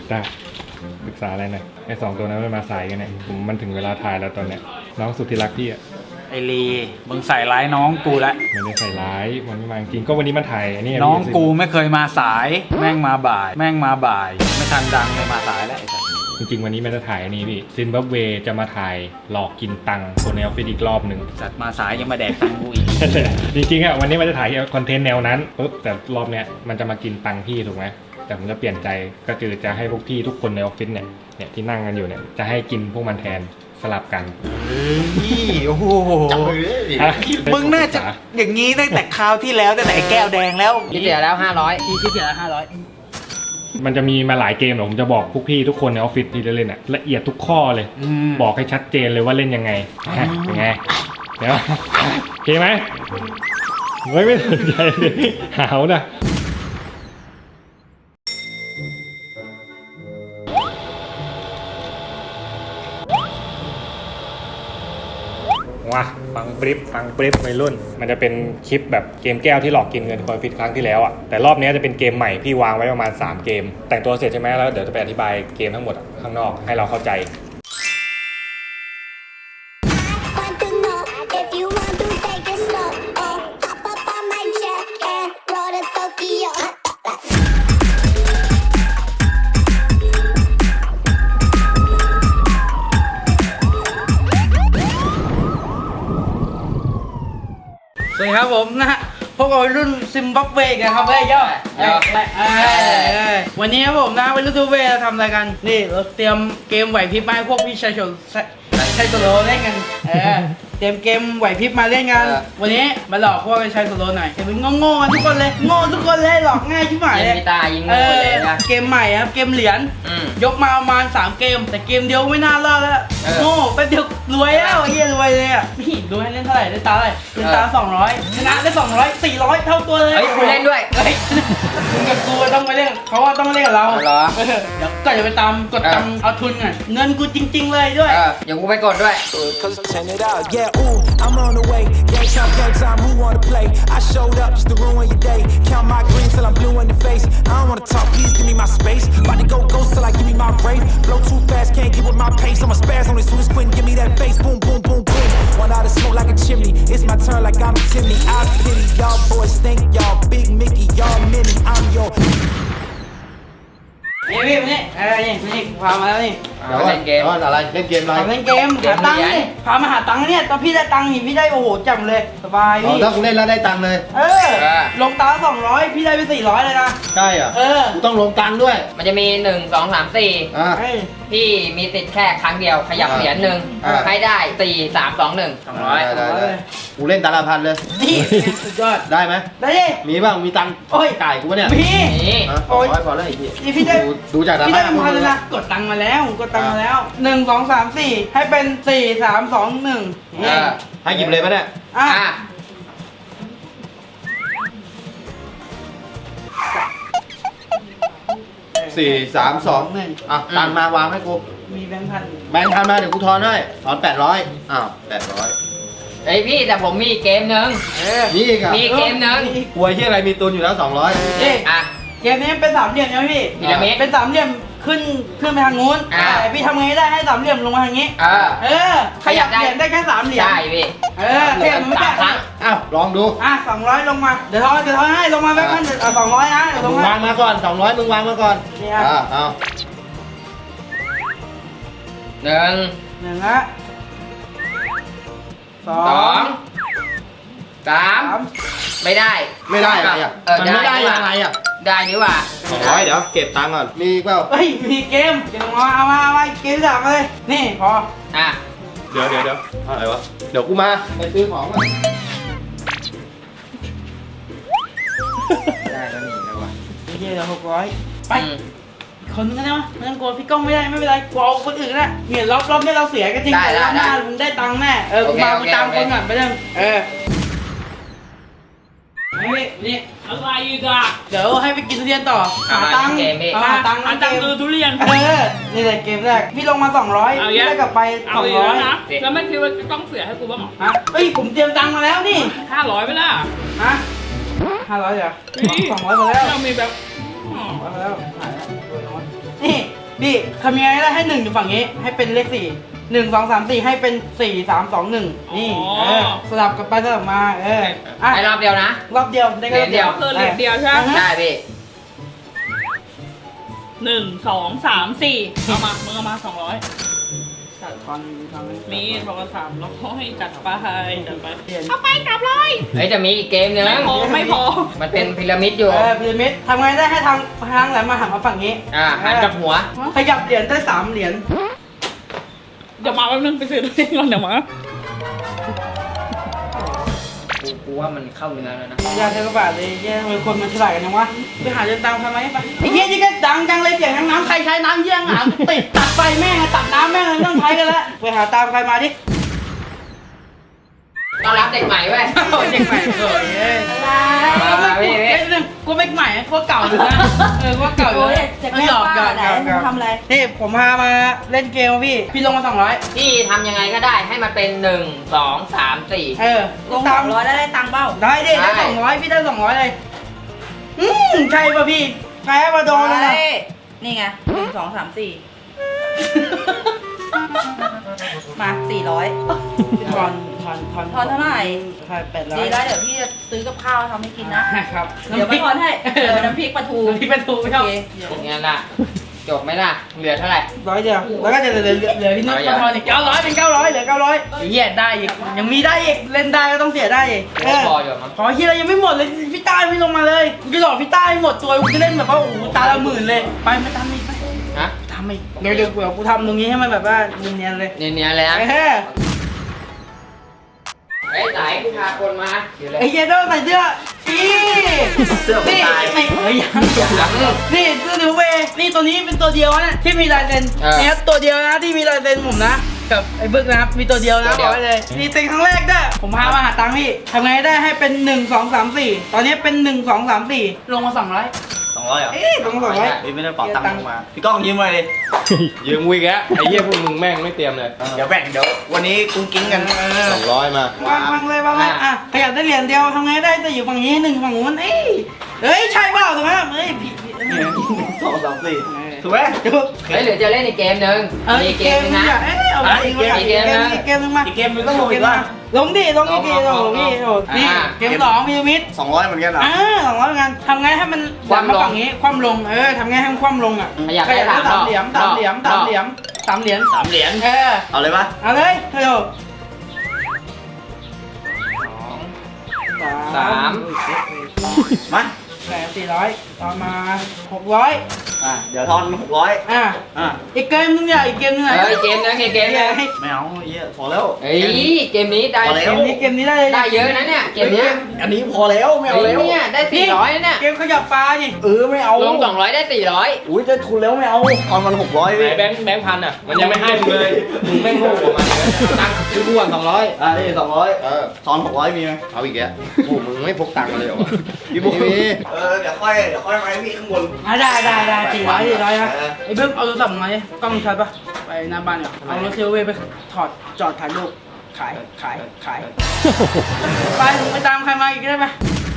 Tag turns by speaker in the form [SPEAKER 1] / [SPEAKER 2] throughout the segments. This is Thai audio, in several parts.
[SPEAKER 1] ได้ปรึกษาอะไรหน่อยไอ้สองตัวนั้นมันมาสายกันเนี่ยมันถึงเวลาถ่ายแล้วตอนเนี้ยน้องสุดที่รักพี่อ่ะ
[SPEAKER 2] ไอลีมึงใส่ร้ายน้องกูละ
[SPEAKER 1] ไม่ได้ใส่ร้ายมันไม่มาจริงก็วันนี้มันถ่ายอันนี้
[SPEAKER 2] น้องกูไม่เคยมาสายแม่งมาบ่ายไม่ทันดังเลยมาสายแล้ว
[SPEAKER 1] จริงๆวันนี้มันจะถ่ายอันนี้พี่ซิมบับเวจะมาถ่ายหลอกกินตังค์คนในออฟฟิศอีกรอบหนึ่ง
[SPEAKER 2] จัดมาสายยังมาแดกตังกูอีก
[SPEAKER 1] จริงๆอ่ะวันนี้มันจะถ่ายคอนเทนต์แนวนั้นปุ๊บแต่รอบเนี้ยมันจะมากินตังค์พี่ถูกไหมแต่ผมจะเปลี่ยนใจก็คือจะให้พวกพี่ทุกคนในออฟฟิศเนี่ยที่นั่งกันอยู่เนี่ยจะให้กินพวกมันแทนสลับกัน
[SPEAKER 2] โอ้โหมึงน่าจะอย่างนี้ตั้งแต่คราวที่แล้วตั้งแต่แก้วแดงแล้ว
[SPEAKER 3] ที่เสียแล้ว500
[SPEAKER 2] ที่เสียแล้ว500
[SPEAKER 1] มันจะมีมาหลายเกมหรอกผมจะบอกพวกพี่ทุกคนในออฟฟิศที่เล่นละเอียดทุกข้อเลยบอกให้ชัดเจนเลยว่าเล่นยังไงยังไงเดี๋ยวโอเคไหมไม่สนใจเลยหาวนะว้าฟังบริฟวัยรุ่นมันจะเป็นคลิปแบบเกมแก้วที่หลอกกินเงินคอยฟิตครั้งที่แล้วอ่ะแต่รอบนี้จะเป็นเกมใหม่พี่วางไว้ประมาณ3เกมแต่งตัวเสร็จใช่ไหมแล้วเดี๋ยวจะไปอธิบายเกมทั้งหมดข้างนอกให้เราเข้าใจ
[SPEAKER 2] สวัสดีครับผมนะฮะพวกเรารุ่นซิมบับเวกันครับย่อวันนี้ครับผมนะวัยรุ่นซิมบับเวเราทำอะไรกันนี่เราเตรียมเกมไหวพริบมาให้พวกพี่ชายชนชายโซโลเล่นกันเตรียมเกมไหวพริบมาเล่นกันวันนี้มาหลอกพวกชายโซโลหน่อยเห็นมันโง่ๆทุกคนเลยโง่ทุกคนเลยหลอกง่ายชิบหายเลย
[SPEAKER 3] ยิงโง่เลยนะ
[SPEAKER 2] เกมใหม่ครับเกมเหรียญยกมาประมาณ3เกมแต่เกมเดียวไม่น่ารอดแล้วโง่แป๊บเดียวรวยแล้วไอ้เหี้ยรวยเลยอ่ะพี่ดูให้เล่นเท่าไหร่ได้ตาอะไรเล่นตา200ชนะได้200 400เท่าตัวเลย
[SPEAKER 3] เฮ้ยคุณเล่นด้วย
[SPEAKER 2] มึงกับกูต้องไปเล่นเขาว่าต้องเล่นกับเรา
[SPEAKER 3] เหรอ
[SPEAKER 2] เดี๋ยวก็จะไปตามกดตามเอาทุนอ่ะเงินกูจริงๆเลยด้วย
[SPEAKER 3] เดี๋ยวกูไปกดด้วย
[SPEAKER 4] I'm on the way, game time, who wanna play? I showed up just to ruin your day. Count my green till I'm blue in the face. I don't wanna talk, please give me my space. About to go ghost till I give me my rave. Blow too fast, can't get with my pace. I'm a spaz on this soon as Quentin, give me that bass. Boom, boom, boom, boom. One out of smoke like a chimney. It's my turn like I'm Timmy. I pity y'all boys, think y'all big Mickey, y'all mini. I'm your.
[SPEAKER 2] นี่พี่นี่นี่พามาแล้วนี่
[SPEAKER 3] เดี๋ยวเล่นเกม
[SPEAKER 4] อะไรเล่นเกมอะไร
[SPEAKER 2] เล่นเกมหาตังค์นี่พามาหาตังค์เนี่ยตอนพี่ได้ตังค์นี่พี่ได้โอ้โหจำเลยสบายพี่
[SPEAKER 4] ถ้ากูเล่นแล้วได้ตังค์เลย
[SPEAKER 2] ลงตา200พี่ได้ไป400เลยนะ
[SPEAKER 4] ใช่เหรอกูต้องลงตังค์ด้วย
[SPEAKER 3] มันจะมี1 2 3 4พี่มีติดแค่ครั้งเดียวขยับเหรียญนึงให้ได้4 3 2 1 200
[SPEAKER 4] กูเล่นตาละพันเลย
[SPEAKER 2] นี่สุดยอด
[SPEAKER 4] ได้ไหม
[SPEAKER 2] ได้ดิ
[SPEAKER 4] มีบ้างมีตังค์จ่ายกูเนี่ย
[SPEAKER 2] มี
[SPEAKER 4] โอ้ยพอแล้วไอ้
[SPEAKER 2] พี่ได้
[SPEAKER 4] ดูจาก
[SPEAKER 2] พี่ได้พันเลยนะกดตังค์มาแล้ว1 2 3 4ให้เป็น4 3 2 1
[SPEAKER 4] ให้หยิบเลยไหมเนี่ย4 3 2ตังมาวางให้กู
[SPEAKER 2] มีแบงค์พัน
[SPEAKER 4] มาเดี๋ยวกูทอนให้ถอน800800
[SPEAKER 3] เฮ้ยพี่แต่ผมมีเกมนึง
[SPEAKER 4] นี่ครับ
[SPEAKER 3] มีเกมนึง
[SPEAKER 4] ป่วยที่อะไรมีตุนอยู่แล้ว200
[SPEAKER 2] เกมนี้เป็น3เหลี่ยมนะพี่เป็น3เหลี่ยมขึ้นไปทางนู้นแต่พี่ทำไงได้ให้3เหลี่ยมลงมาทางนี้ขยับเหลี่ยมได้แค่3เหลี่ยม
[SPEAKER 3] ใช่พี่
[SPEAKER 2] เหลี่ยมไม่แค่
[SPEAKER 3] ครั้ง
[SPEAKER 4] ลองดู
[SPEAKER 2] 200ลงมาเดี๋ยวทอนให้ลงมาแบงค์พัน200นะ
[SPEAKER 4] มึงวางมาก่อน200มึงวางมาก่อน
[SPEAKER 2] นี่
[SPEAKER 4] เอา
[SPEAKER 3] 1
[SPEAKER 2] ละ
[SPEAKER 3] 2 3ไม่ได้
[SPEAKER 4] อะไรอ่ะมันไม่ได้ยังไงอ่ะ
[SPEAKER 3] ได้นี่ว่า
[SPEAKER 4] 200เดี๋ยวเก็บตังค์ก่อนมีเปล่า
[SPEAKER 2] มีเกมเดี๋ยวเอามาเกม3มาเลยนี่พอ
[SPEAKER 4] เดี๋ยวอะไรวะเดี๋ยวกูมาไปซื้อของก่อน
[SPEAKER 3] ได้แล้วนี่แล้ววะ
[SPEAKER 2] เดี๋ยว600ไปคนนึงนะไม่ต้องกลัวพี่ก้องไม่ได้ไม่เป็นไรกลัวคนอื่นนะเนี่ยรอบนี้เราเสียกันจริงแต่รอบหน้ามึงได้ตังค์แน่กูมาตามคนก่อนไปเรื่องนี่
[SPEAKER 5] อะไรอีกอ่ะ
[SPEAKER 2] เดี๋ยวให้ไปกินทุเรียนต่อหาตังค์
[SPEAKER 5] ดูทุเรียน
[SPEAKER 2] นี่แหละเกมแรกพี่ลงมา200พี่ได้กลับไป200
[SPEAKER 5] นะแล้วไม่คิดว่าต้องเสียให้กูบ้างหรอ
[SPEAKER 2] เฮ้ยผมเตรียมตังค์มาแล้วนี่
[SPEAKER 5] 500ไปละ
[SPEAKER 2] 500เหรอ200มาแล้ว
[SPEAKER 5] เรามีแบบ
[SPEAKER 2] มาแล้วนี่นี่ทำยังไงได้ให้1อยู่ฝั่งนี้ให้เป็นเลข4 1 2 3 4ให้เป็น4 3 2 1นี่สลับกันไปสลับมาอ่ะ
[SPEAKER 3] ให้รอบเดียวนะ
[SPEAKER 2] รอบเดียวได้แค่รอบเดียว
[SPEAKER 5] คือเหรียญเดียวใช่ไหม
[SPEAKER 3] ได้พี่
[SPEAKER 5] 1 2 3 4เอามามึงเอามา200
[SPEAKER 2] จัดฟันทำให้
[SPEAKER 5] มีบอกว่า300จัดไปจัดไป
[SPEAKER 2] เปลี่ยน
[SPEAKER 5] เอาไปกลับเลย
[SPEAKER 3] เฮ้ยจะมีอีกเกมนึง
[SPEAKER 5] ไม่พอ
[SPEAKER 3] มันเป็นพีระมิดอยู่
[SPEAKER 2] พีระมิดทำไงได้ให้ทางแหลมมาหันมาฝั่งนี้
[SPEAKER 3] หันกับหัว
[SPEAKER 2] ขยับเหรียญได้3เหรียญ
[SPEAKER 5] เดี๋ยวมาแป๊บนึงไปซื้อตัวเองก่อนเดี๋ยวมา
[SPEAKER 3] กูว่ามันเข้าเนื้อแล้วนะ
[SPEAKER 2] ยากใช้กระบาดเลยเย้ทำไมคนมันฉลาดกันจังวะไปหาเดินตามใครไหมไปไอ้เหี้ยนี่ก็ดังจังเลยเสียงน้ำใครใช้น้ำเยี่ยงอ่ะติดตัดไฟแม่งตัดน้ำแม่งไม่ต้องใช้กันแล้วไปหาตามใครมาดิ
[SPEAKER 3] ต้อนรับเด็กใหม่เว้ย
[SPEAKER 2] เด็กใหม่เอ้ยกูไม่ใหม่กูเก่าอยู่นะกูเก่าอยู่ไม่หยอกกันทำอะไรนี่ผมพามาเล่นเกมพี่ลงมา200
[SPEAKER 3] พี่ทำยังไงก็ได้ให้มันเป็น1 2 3 4
[SPEAKER 2] ลง200ได้ตังค์เปล่าได้ดิได้200พี่ได้200เลยใช่ป่ะพี่แพ้มาโดนเลยนะ
[SPEAKER 6] นี่ไง1 2 3 4 มา400
[SPEAKER 2] ทอน
[SPEAKER 6] ทอนเท่าไหร่
[SPEAKER 2] ใช่800
[SPEAKER 6] ดีแล้วเดี๋ยวพี่จะซื้อกับข้าวทำให้กินนะ
[SPEAKER 2] ครับ
[SPEAKER 6] เดี๋ยวไม่ทอนให้น้ำพริกปลาทู
[SPEAKER 2] พี่เป็นทูไม่ชอบ
[SPEAKER 3] เป็นไงล่ะ จบไหมล่ะ เหลือเท่าไหร่
[SPEAKER 2] 100เดียวแล้วก็จะเหลือพี่นุ๊กทอนอีก900เป็น900เหลือ900เหี้ยได้อีกยังมีได้อีกเล่นได้ก็ต้องเสียได้อีก
[SPEAKER 3] ไม่พออยู่มั้ง
[SPEAKER 2] ขอเฮียเรายังไม่หมดเลยพี่ต้าไม่ลงมาเลยกูจะหลอกพี่ต้าให้หมดตัวกูจะเล่นแบบว่าโอ้โหตาละหมื่นเลยไปไม่ตามอีกไป
[SPEAKER 3] ฮะ
[SPEAKER 2] ทำอีกเดี๋ยวกูทำตรงนี้ให้มันแบบว่าเนียนๆเลย
[SPEAKER 3] เนียนๆเลยนะ เฮ้ยไหนกูพาคนมาอยู่เลย
[SPEAKER 2] ไอ้เหี้ยต้องใส่เสื้อเสื้อคนตายเฮ้ยยังนี่เสื้อนิวเวนี่ตัวนี้เป็นตัวเดียวนะที่มีลายเซ็นเนี่ยตัวเดียวนะที่มีลายเซ็นผมนะกับไอ้บึกนะครับมีตัวเดียวนะบอกไว้เลยนี่เซ็นครั้งแรกด้วยผมพามาหาตังค์พี่ทำไงได้ให้เป็น1 2 3 4ตอนนี้เป็น1 2 3 4ลงมา200
[SPEAKER 7] 200เหรอ
[SPEAKER 2] ลงมา200
[SPEAKER 7] พี่ไม่ได้เป๋าตังค์ลงมา พี่ก้องยืมมาเลย
[SPEAKER 1] ยืมวิกแล้วไอ้เหี้ยพวกมึงแม่งไม่เตรียมเลย
[SPEAKER 7] เดี๋ยวแบ่งเดี๋ยววันนี้กุ้งกิ้งกัน
[SPEAKER 1] 200มาว
[SPEAKER 2] างเลยวางเลยอ่ะขยับได้เหรียญเดียวทำไงได้จะอยู่ฝั่งนี้1ฝั่งนู้นเฮ้ยใช่เปล่าถูกไหมเฮ้ยพี่
[SPEAKER 7] 2 3 4ถูกไหม
[SPEAKER 3] เฮ้ยเหลือจะเล่นอีกเกมนึงมีเกมนึงนะ
[SPEAKER 2] เอาอีกเกมนึงอีกเกมนึงมา
[SPEAKER 7] อีกเกมนึงต้องลงอีกว่า
[SPEAKER 2] ลงดิลงอีกทีลงพี่นี่เกม2พีระมิด
[SPEAKER 7] 200เหมือนกันเหรอ
[SPEAKER 2] 200เหมือนกันทำไงให้มันดันมาฝั่งนี้คว่ำลงทำไงให้มันคว่ำลงอ่ะ
[SPEAKER 3] ขยับได้สาม
[SPEAKER 2] เหรียญ3เหรียญ3เหรียญ3เหรียญ
[SPEAKER 7] 3 เหรียญเอาเลยปะ
[SPEAKER 2] เอาเลยเฮ้ย
[SPEAKER 3] สาม
[SPEAKER 7] มา
[SPEAKER 2] แหล400ต่อมา600
[SPEAKER 7] เดี๋ยวทอน600
[SPEAKER 2] อีกเกมนึงอย่าอีกเกมนึงไหน
[SPEAKER 3] เกมนึงเกมนึง
[SPEAKER 7] ไม่เอาเยอะพอแล้ว
[SPEAKER 3] เฮ้ยเกมนี้ได้
[SPEAKER 2] เกมนี้ได้เลย
[SPEAKER 3] ได้เยอะนะเนี่ยเกมนี้
[SPEAKER 7] อันนี้พอแล้วไม่เอา
[SPEAKER 3] เฮ้ย
[SPEAKER 7] แล้ว
[SPEAKER 3] เนี่ยได้400เนี่ย
[SPEAKER 2] เกมขยับปลาดิ
[SPEAKER 7] ไม่เอา
[SPEAKER 3] ลง200ได้400
[SPEAKER 7] อุ้ยจะทุนแล้วไม่เอาทอนมัน600
[SPEAKER 1] ไหน
[SPEAKER 7] พี่
[SPEAKER 1] แบงค์พันอ่ะ มันยังไม่ให้มึงเลย มึงแม่งโง่กว่ามันตั้งซื้อบ้วน200
[SPEAKER 7] นี่200ทอน600มีไหม
[SPEAKER 1] เอาอีกแล้วโอ้มึงไม่พกตังค์มาเลยเหรอวะ
[SPEAKER 7] พี่บุ๊คเดี๋ยวค่อยมาให้พี่ข้างบน
[SPEAKER 2] ได้400นะไอ้เบิ้มเอาโทรศัพท์มาดิกล้องชัดปะไปหน้าบ้านเนี่ยเอารถเซลเว่ไปถอดจอดถ่ายรูปขายไปไปตามใครมาอีกได้ไหม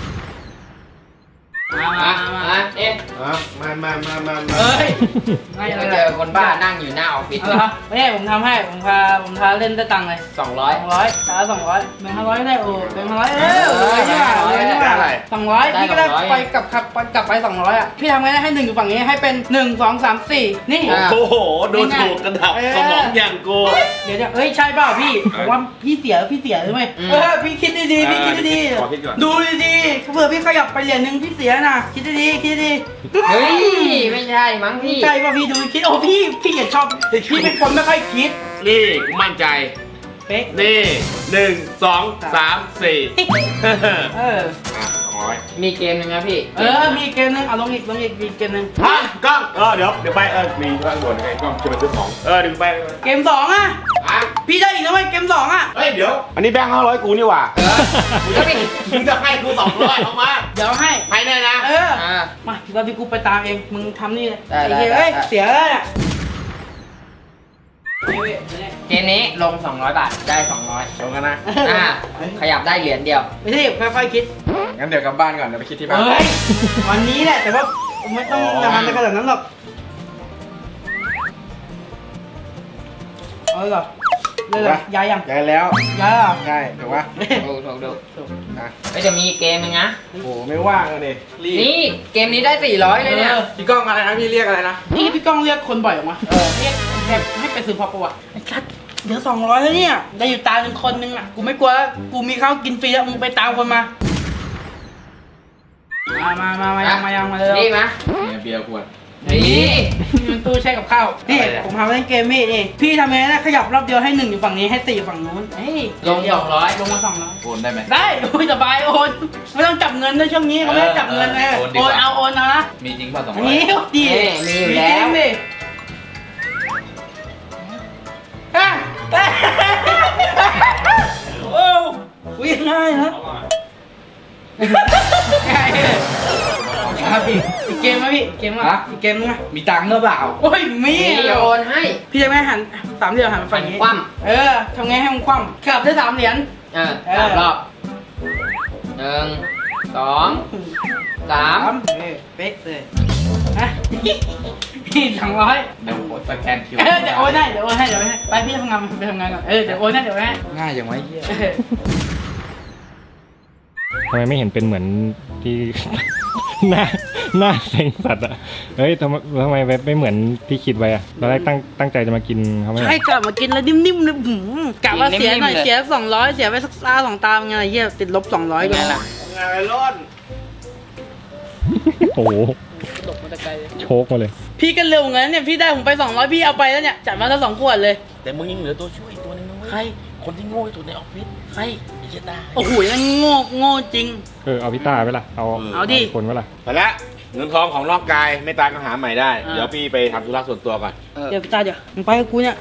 [SPEAKER 2] มาเอ๊ะ เฮ้ยไม่
[SPEAKER 3] ไป
[SPEAKER 2] อะไร
[SPEAKER 3] เจอคนบ้านั่งอยู่หน้าออฟฟิศ
[SPEAKER 2] เอาละไม่ใช่ผมทำให้ผมพาเล่นได้ตังค์เลย
[SPEAKER 3] 200
[SPEAKER 2] ตา200แบ่ง500ได้โอ้แบ่ง500เลยนี่ว่า200พี่ก็ได้ไปกลับไป200อ่ะพี่ทำไงได้ให้1อยู่ฝั่งนี้ให้เป็น1 2 3 4นี่
[SPEAKER 7] โอ้โหดูถูกกันดับสมองอย่างกู
[SPEAKER 2] เดี๋ยวเฮ้ยใช่เปล่าพี่ผมว่าพี่เสียหรือไม่พี่คิดดีๆพี่คิดดีๆดูดีๆเผื่อพี่ขยับไปเหรียญนึงพี่เสียนะคิดดีๆ
[SPEAKER 3] เฮ้ยไม่ใช่มั้งพี่
[SPEAKER 2] ใช่ป่ะพี่ดูคิดโอ้พี่อย่าชอบพี่เป็นคนไม่ค่อยคิด
[SPEAKER 8] นี่กูมั่นใจ
[SPEAKER 2] เป๊ะ
[SPEAKER 8] นี่1 2 3 4
[SPEAKER 3] มีเกมนึงนะพี่
[SPEAKER 2] มีเกมนึงเอาลงอีกมีเกมนึง
[SPEAKER 8] ฮะกล้องเดี๋ยวไปมีข้างบนไงกล้องจะไปซื้อของดึงไป
[SPEAKER 2] เกม2อ่ะ
[SPEAKER 8] อ่ะ
[SPEAKER 2] พี่ได้อีกแล้วไหมเกม2อ่ะ
[SPEAKER 8] เฮ้ยเดี๋ยว อันนี้แบงค์500กูนี่หว่า มึงจะให้กู200เอามา
[SPEAKER 2] เดี๋ยวให้
[SPEAKER 8] ให้แน่นะ
[SPEAKER 2] มาเราพี่กูไปตามเองมึงทำนี่เลย
[SPEAKER 3] ได้
[SPEAKER 2] เฮ้ยเสียแล้วเนี่ย
[SPEAKER 3] เกมนี้ลง200 บาทได้200
[SPEAKER 8] ลงกันนะ
[SPEAKER 3] ขยับได้เหรียญเดียว
[SPEAKER 2] ไม่ใช่ค่อยๆคิด
[SPEAKER 1] งั้นเดี๋ยวกลับบ้านก่อนเดี๋ยวไปคิดที่บ้าน
[SPEAKER 2] เฮ้ยวันนี้แหละแต่ว่าไม่ต้องนานขนาดนั้นหรอกอเหรอเลยเหรอย้ายยัง
[SPEAKER 8] ได้แล้ว
[SPEAKER 2] ย้ายเหรอ
[SPEAKER 8] ใช่ถูกปะ
[SPEAKER 3] ถูก
[SPEAKER 8] อ่ะ
[SPEAKER 3] ก็จะมีเกมนึงนะ
[SPEAKER 8] โอ้โหไม่ว่างเลยรีบ
[SPEAKER 3] นี่เกมนี้ได้ 400 เลยเนี่ย
[SPEAKER 8] พี่ก้องอะไรนะพี่เรียกอะไรนะ
[SPEAKER 2] นี่พี่ก้องเรียกคนบ่อยออกมาเรียกแบบให้ไปซื้อพอประวัติไอ้ชัดเดี๋ยว200แล้วเนี่ยได้อยู่ตามเป็นคนนึงอ่ะกูไม่กลัวแล้วกูมีข้าวกินฟรีแล้วมึงไปตามคนมายังมาเลย
[SPEAKER 3] นี่มะ
[SPEAKER 8] เบียร์ขวด
[SPEAKER 3] นี่
[SPEAKER 2] มันตู้แช่กับข้าวนี่ผมทำเล่นเกมพี่นี่พี่ทำไงนะขยับรอบเดียวให้1อยู่ฝั่งนี้ให้4อยู่ฝั่งนู้นเฮ้ย
[SPEAKER 3] ลง 200
[SPEAKER 2] ลงมา200
[SPEAKER 8] โอนได้ไหม
[SPEAKER 2] ได้โอ้ยสบายโอนไม่ต้องจับเงินด้วยช่วงนี้เขาไม่ได้จับเงินนะ
[SPEAKER 8] โอนดี
[SPEAKER 2] โอก
[SPEAKER 8] ว่า
[SPEAKER 2] นเอาโอนเอานะ
[SPEAKER 8] มีจริงป่ะ200
[SPEAKER 2] อันนี้ดี
[SPEAKER 3] มีอยู่แล้ว
[SPEAKER 2] จริงดิอ่ะโอ้วิ่งง่ายนะง่ายเลยครับพี่อีกเกมไหมพี่เกมอ่ะอีกเกมนึงไหม
[SPEAKER 8] มีตังค์หรือเปล่า
[SPEAKER 2] โอ้ยมี
[SPEAKER 3] นี่โอนให้
[SPEAKER 2] พี่จะไม่หัน3 เหรียญหันไปฝั่งนี้
[SPEAKER 3] คว่
[SPEAKER 2] เออทำไงให้มันคว่ำขับได้3 เหรียญ
[SPEAKER 3] 3 รอบ 1 2 3
[SPEAKER 2] เป๊กเลยฮะพี่200
[SPEAKER 8] เดี๋ยวผมสแกนคิว
[SPEAKER 2] เดี๋ยวโอนให้ไปพี่ทำงานไปทำงานก่อนเดี๋ยวโอนให้
[SPEAKER 8] ง่ายอย่างไรเหี้ย
[SPEAKER 1] ทำไมไม่เห็นเป็นเหมือนที่ หน้าเซ็งสัตว์อะเฮ้ยทำไมไม่เหมือนที่คิดไว้อะตอนแรกตั้งใจจะมากินเขาไม่เหรอ
[SPEAKER 2] ให้กลับมากินแล้วนิ่มๆเลยกะว่าเสียหน่อยเสีย200เสียไปสักตา2 ตาไงเหี้ยติดลบ200กันล่ะ
[SPEAKER 8] งานไปร้อน
[SPEAKER 1] โอ้โหโชกมาเลย
[SPEAKER 2] พี่ก็เร็วงั้นเนี่ยพี่ได้ผมไป200พี่เอาไปแล้วเนี่ยจัดมาแล้ว2 ขวดเลย
[SPEAKER 7] แต่มึงยังเหลือตัวช่วยอีกตัวนึงนะเว้ย
[SPEAKER 2] ใคร
[SPEAKER 7] คนที่โง่ที่สุดในออฟฟิศ
[SPEAKER 2] ใคร
[SPEAKER 7] ไอ้เจตา
[SPEAKER 2] โอ้โหยังโง่จริง
[SPEAKER 1] เอาพี่ต้าไปล่ะเอาดิคนไปล่ะ
[SPEAKER 8] ไปแล้วเงินทองของร่างกายไม่ตายก็หาใหม่ได้
[SPEAKER 2] อ่า
[SPEAKER 8] เดี๋ยวพี่ไปทำธุระส่วนตัวก่อน
[SPEAKER 2] เดี๋ยวพี่ตาเดี๋ยวมึงไปกับกูเนี่ย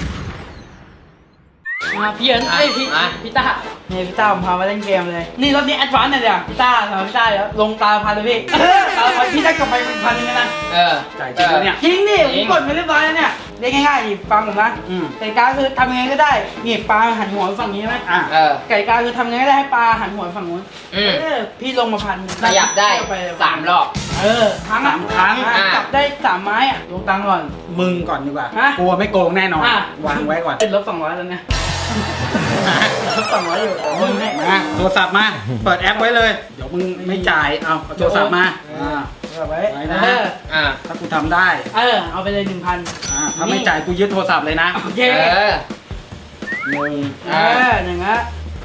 [SPEAKER 2] พี่เอิญพี่ตาเนี่ยพี่ตาผมพามาเล่นเกมเลยนี่รถนี้แอดวานซ์เนี่ยเดี๋ยวพี่ตาเดี๋ยวลงตาพันเลยพี่ตาพันพี่ได้กำไร1,000นึงนะ
[SPEAKER 8] จ่ายจริงแล้วเนี่ย
[SPEAKER 2] จริงดิผมกดไปเรียบร้อยแล้วเนี่ยเรียกง่ายๆดิฟังผมนะไก่กาคือทำยังไงก็ได้นี่ปลาหันหัวไปฝั่งนี้ใช่ไหมไก่กาคือทำยังไงก็ได้ให้ปลาหันหัวไปฝั่งนู้นพี่ลงมาพัน
[SPEAKER 3] ขยับได้ 3 รอบ
[SPEAKER 2] ครั้งจับได้3 ไม้อะลงตังค์ก่อน
[SPEAKER 9] มึงก่อนดีกว่า
[SPEAKER 2] ฮะ
[SPEAKER 9] กลัวไม่โกงแน่นอน วางไว้ก่อน
[SPEAKER 2] ติดลบ200แล้วเนี่ยลบ200อยู่มึงให้
[SPEAKER 9] มาโทรศัพท์มา เปิดแอปไว้เลย เดี๋ยวมึงไม่จ่าย เอาโทรศัพท์มา
[SPEAKER 2] ไว้
[SPEAKER 9] ไว้นะ ถ้ากูทำได้
[SPEAKER 2] เอาไปเลย 1,000
[SPEAKER 9] ถ้าไม่จ่ายกูยึดโทรศัพท์เลยนะ
[SPEAKER 2] โอเค
[SPEAKER 9] หนึ่ง
[SPEAKER 2] อย่างนั้น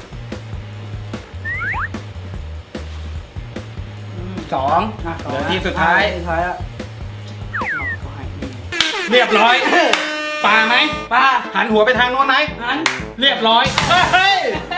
[SPEAKER 9] สองเหลือที่สุดท้าย
[SPEAKER 2] สุดท้ายอ่ะ
[SPEAKER 9] เรียบร้อยปลาไหม
[SPEAKER 2] ป้า
[SPEAKER 9] หันหัวไปทางโน้นไหม
[SPEAKER 2] หัน
[SPEAKER 9] เรียบร้อย เฮ้ย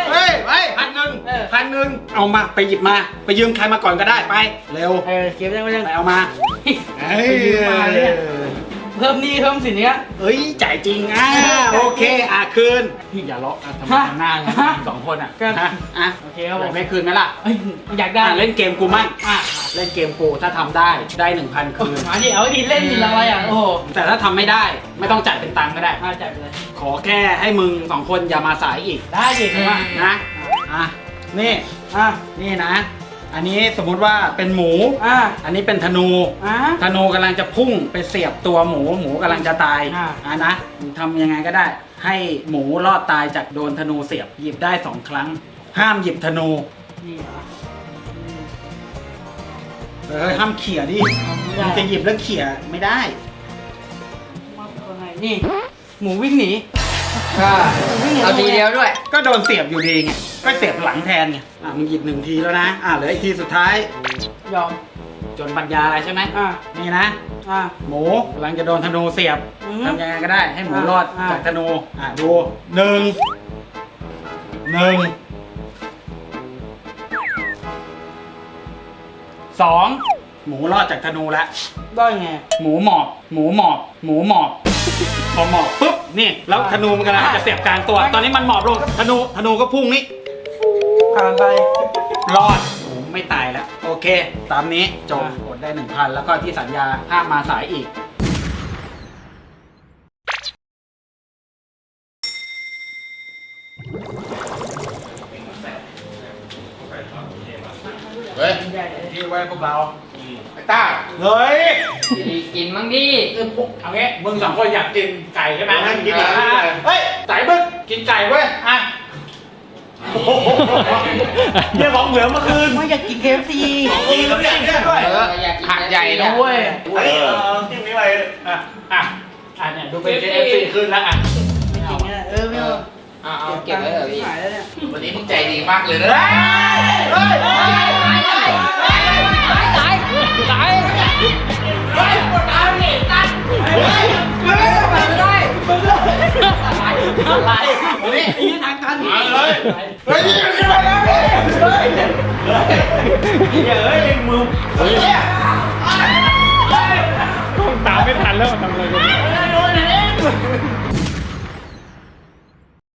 [SPEAKER 9] 1,000เอามาไปหยิบมา ไปยืมใครมาก่อนก็ได้ไป เร็ว
[SPEAKER 2] เก็บได้ไหมยัง
[SPEAKER 9] ไปเอามา
[SPEAKER 2] ไปยืมมาเนี่ยเพิ่มหนี้เพิ่มสินเนี้ย
[SPEAKER 9] เอ้ยจ่ายจริงโอเคคืนพี่อย่าเลาะทำไมทำหน้างั้น2 คน
[SPEAKER 2] โอเคครับผม
[SPEAKER 9] ไม่คืนไหมล่ะ
[SPEAKER 2] อยากได้
[SPEAKER 9] เล่นเกมกูมั่งเล่นเกมกูถ้าทำได้ 1,000 คืน
[SPEAKER 2] มาดิเอาดิเล่นดิอะไรอ่ะโอ้โห
[SPEAKER 9] แต่ถ้าทำไม่ได้ไม่ต้องจ่ายเป็นตังค์ก็ได้
[SPEAKER 2] จ่ายไปเลย
[SPEAKER 9] ขอแค่ให้มึง2 คนอย่ามาสายอีก
[SPEAKER 2] ได้ดิผมว่า
[SPEAKER 9] นะนี่นี่นะ อันนี้สมมุติว่าเป็นหมู อันนี้เป็นธนู ธนูกำลังจะพุ่งไปเสียบตัวหมูกำลังจะตายนะมึงทำยังไงก็ได้ ให้หมูรอดตายจากโดนธนูเสียบหยิบได้2 ครั้ง ห้ามหยิบธนู
[SPEAKER 2] นี่เหรอ
[SPEAKER 9] ห้ามเขี่ยดิมึงจะหยิบแล้วเขี่ยไม่ได้
[SPEAKER 2] นี่หมูวิ่งหนี
[SPEAKER 3] เอาทีเดียวด้วย
[SPEAKER 9] ก็โดนเสียบอยู่ดีไงก็เสียบหลังแทนไงมึงหยิบ1 ทีแล้วนะเหลืออีกทีสุดท้าย
[SPEAKER 2] ยอม
[SPEAKER 9] จนปัญญาอะไรใช่ไหมนี่นะหมูกำลังจะโดนธนูเสียบทำยังไงก็ได้ให้หมูรอดจากธนูดู1 2 หมูรอดจากธนูแล้ว
[SPEAKER 2] ได้ไง
[SPEAKER 9] หมูหมอบพอหมอบปุ๊บนี่แล้วธนูมันกำลังจะเสียบกลางตัว ตอนนี้มันหมอบลงธนูก็พุ่งนี่
[SPEAKER 2] ผ่านไป
[SPEAKER 9] รอดหมูไม่ตายแล้วโอเค ตามนี้จบกดได้ 1,000 แล้วก็ที่สัญญาห้ามมาสายอีก
[SPEAKER 8] เฮ้ยที่ไว้พวกเราไอ้ต้าเฮ้ย
[SPEAKER 3] กินมั้งดิ
[SPEAKER 9] เอางี้มึงสองคนอยากกินไก่ใช่ไหม
[SPEAKER 8] ให้กินไก่
[SPEAKER 9] เฮ้ยไก่มึงกินไก่เว้ยอ่ะ
[SPEAKER 8] เรื่องของเหลือเมื่อคืน
[SPEAKER 2] ไม่อยากกิน KFC
[SPEAKER 8] กินแล้วเนี่ยด้วย
[SPEAKER 3] อยากกิน
[SPEAKER 9] หักใหญ่นะเว้ย
[SPEAKER 8] เฮ้ยจิ้มนี้ไป
[SPEAKER 9] อ่ะเนี่ยดูเป็น KFC ขึ้นแล้วอ่ะ
[SPEAKER 2] ไม่เอา
[SPEAKER 3] เอาเก็บไว้เถอะพี่
[SPEAKER 2] หายแล้วเนี่ย
[SPEAKER 8] วันนี้มึงใจดีมากเลยนะ
[SPEAKER 9] อะไรนี่นี่ทางการ
[SPEAKER 8] มาเลยเฮ้ยขึ้นมาแล้วเฮ้ยเฮ้ยมือเฮ้ย
[SPEAKER 1] ต้องตามไม่ทันแล้วทำอะไรกัน